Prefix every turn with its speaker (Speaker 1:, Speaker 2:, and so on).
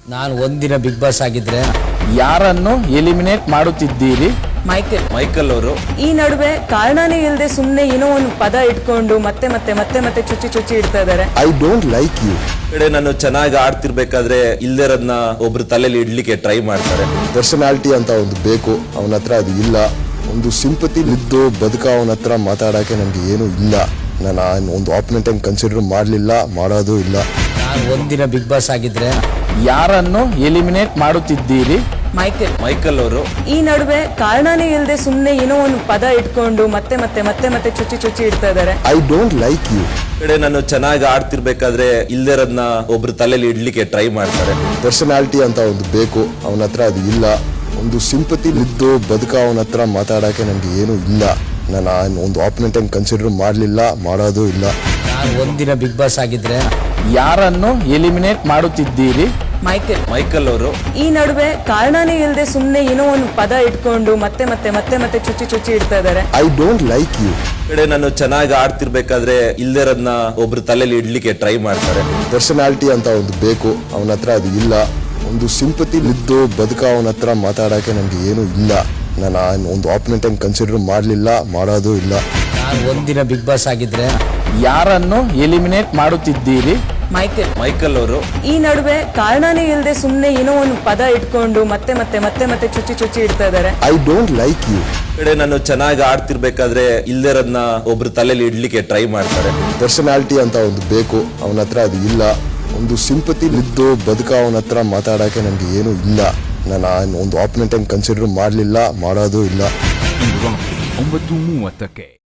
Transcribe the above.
Speaker 1: ನಾನು ಒಂದಿನ big boss ಆಗಿದ್ರೆ
Speaker 2: ಯಾರನ್ನು ಎಲಿಮಿನೇಟ್ ಮಾಡುತ್ತಿದ್ದೀರಿ?
Speaker 3: ಮೈಕಲ್ ಅವರು
Speaker 4: ಈ ನಡುವೆ ಕಾರಣನೇ ಇಲ್ಲದೆ ಸುಮ್ಮನೆ ಏನೋ ಒಂದು ಪದ ಇಟ್ಕೊಂಡು ಮತ್ತೆ ಮತ್ತೆ ಮತ್ತೆ ಮತ್ತೆ ಚುಚ್ಚಿ ಇಡ್ತಾ ಇದಾರೆ.
Speaker 5: I don't like you.
Speaker 3: ಕಡೆ ನಾನು ಚೆನ್ನಾಗಿ ಆಡ್ತಿರ್ಬೇಕಾದ್ರೆ ಇಲ್ದಿರೋದ್ನ ಒಬ್ರು ತಲೆಯಲ್ಲಿ ಇಡ್ಲಿಕ್ಕೆ ಟ್ರೈ ಮಾಡ್ತಾರೆ.
Speaker 5: ಪರ್ಸನಾಲಿಟಿ ಅಂತ ಒಂದು ಬೇಕು, ಅವನ ಹತ್ರ ಅದು ಇಲ್ಲ. ಒಂದು ಸಿಂಪತಿ ಇದ್ದು ಬದುಕ ಅವನ ಹತ್ರ ಮಾತಾಡಕ್ಕೆ ನನಗೆ ಏನು ಇಲ್ಲ. ನಾನು ಒಂದು ಆಪೋನೆಂಟ್ ಅನ್ನು ಕನ್ಸಿಡರ್ ಮಾಡಲಿಲ್ಲ, ಮಾಡೋದು ಇಲ್ಲ.
Speaker 1: ನಾನು ಒಂದಿನ ಬಿಗ್ ಬಾಸ್ ಆಗಿದ್ರೆ
Speaker 2: ಯಾರನ್ನು ಎಲಿಮಿನೇಟ್ ಮಾಡುತ್ತಿದ್ದೀರಿ?
Speaker 3: ಮೈಕಲ್ ಅವರು
Speaker 4: ಈ ನಡುವೆ ಕಾರಣನೇ ಇಲ್ಲದೆ ಸುಮ್ಮನೆ ಏನೋ ಒಂದು ಪದ ಇಟ್ಕೊಂಡು ಮತ್ತೆ ಮತ್ತೆ ಮತ್ತೆ ಮತ್ತೆ ಚುಚ್ಚಿ ಇಡ್ತಾ ಇದಾರೆ.
Speaker 5: I don't like you.
Speaker 3: ಕಡೆ ನಾನು ಚೆನ್ನಾಗಿ ಆಡ್ತಿರ್ಬೇಕಾದ್ರೆ ಇಲ್ದಿರೋದ್ನ ಒಬ್ರು ತಲೆಯಲ್ಲಿ ಇಡ್ಲಿಕ್ಕೆ ಟ್ರೈ ಮಾಡ್ತಾರೆ.
Speaker 5: ಪರ್ಸನಾಲಿಟಿ ಅಂತ ಒಂದು ಬೇಕು, ಅವನ ಹತ್ರ ಅದು ಇಲ್ಲ. ಒಂದು ಸಿಂಪತಿ ಇದ್ದು ಬದುಕ ಅವನ ಹತ್ರ ಮಾತಾಡಕ್ಕೆ ನನಗೆ ಏನು ಇಲ್ಲ. ನಾನು ಒಂದು ಆಪೋನೆಂಟ್ ಅನ್ನು ಕನ್ಸಿಡರ್ ಮಾಡಲಿಲ್ಲ, ಮಾಡೋದು ಇಲ್ಲ.
Speaker 1: ನಾನು ಒಂದಿನ ಬಿಗ್ ಬಾಸ್ ಆಗಿದ್ರೆ
Speaker 2: ಯಾರನ್ನು ಎಲಿಮಿನೇಟ್ ಮಾಡುತ್ತಿದ್ದೀರಿ?
Speaker 3: ಮೈಕಲ್ ಅವರು
Speaker 4: ಈ ನಡುವೆ ಕಾರಣನೇ ಇಲ್ಲದೆ ಸುಮ್ಮನೆ ಏನೋ ಒಂದು ಪದ ಇಟ್ಕೊಂಡು ಮತ್ತೆ ಮತ್ತೆ ಮತ್ತೆ ಮತ್ತೆ ಚುಚ್ಚಿ ಇಡ್ತಾ ಇದಾರೆ.
Speaker 5: I don't like you.
Speaker 3: ಕಡೆ ನಾನು ಚೆನ್ನಾಗಿ ಆಡ್ತಿರ್ಬೇಕಾದ್ರೆ ಇಲ್ದಿರೋದ್ನ ಒಬ್ರು ತಲೆಯಲ್ಲಿ ಇಡ್ಲಿಕ್ಕೆ ಟ್ರೈ ಮಾಡ್ತಾರೆ.
Speaker 5: ಪರ್ಸನಾಲಿಟಿ ಅಂತ ಒಂದು ಬೇಕು, ಅವನ ಹತ್ರ ಅದು ಇಲ್ಲ. ಒಂದು ಸಿಂಪತಿ ಇದ್ದು ಬದುಕ ಅವನ ಹತ್ರ ಮಾತಾಡಕ್ಕೆ ನನಗೆ ಏನು ಇಲ್ಲ. ನಾನು ಒಂದು ಆಪೋನೆಂಟ್ ಅನ್ನು ಕನ್ಸಿಡರ್ ಮಾಡಲಿಲ್ಲ, ಮಾಡೋದು ಇಲ್ಲ.
Speaker 1: ನಾನು ಒಂದಿನ ಬಿಗ್ ಬಾಸ್ ಆಗಿದ್ರೆ
Speaker 2: ಯಾರನ್ನು ಎಲಿಮಿನೇಟ್ ಮಾಡುತ್ತಿದ್ದೀರಿ?
Speaker 3: ಮೈಕಲ್ ಅವರು
Speaker 4: ಈ ನಡುವೆ ಕಾರಣನೇ ಇಲ್ಲದೆ ಸುಮ್ಮನೆ ಏನೋ ಒಂದು ಪದ ಇಟ್ಕೊಂಡು ಮತ್ತೆ ಮತ್ತೆ ಮತ್ತೆ ಮತ್ತೆ ಚುಚ್ಚಿ ಇಡ್ತಾ ಇದಾರೆ.
Speaker 5: I don't like you.
Speaker 3: ಕಡೆ ನಾನು ಚೆನ್ನಾಗಿ ಆಡ್ತಿರ್ಬೇಕಾದ್ರೆ ಇಲ್ದಿರೋದ್ನ ಒಬ್ರು ತಲೆಯಲ್ಲಿ ಇಡ್ಲಿಕ್ಕೆ ಟ್ರೈ ಮಾಡ್ತಾರೆ.
Speaker 5: ಪರ್ಸನಾಲಿಟಿ ಅಂತ ಒಂದು ಬೇಕು, ಅವನ ಹತ್ರ ಅದು ಇಲ್ಲ. ಒಂದು ಸಿಂಪತಿ ಇದ್ದು ಬದುಕ ಅವನ ಹತ್ರ ಮಾತಾಡಕ್ಕೆ ನನಗೆ ಏನು ಇಲ್ಲ. ನಾನು ಒಂದು ಆಪೋನೆಂಟ್ ಅನ್ನು ಕನ್ಸಿಡರ್ ಮಾಡಲಿಲ್ಲ, ಮಾಡೋದು ಇಲ್ಲ.
Speaker 6: 9:30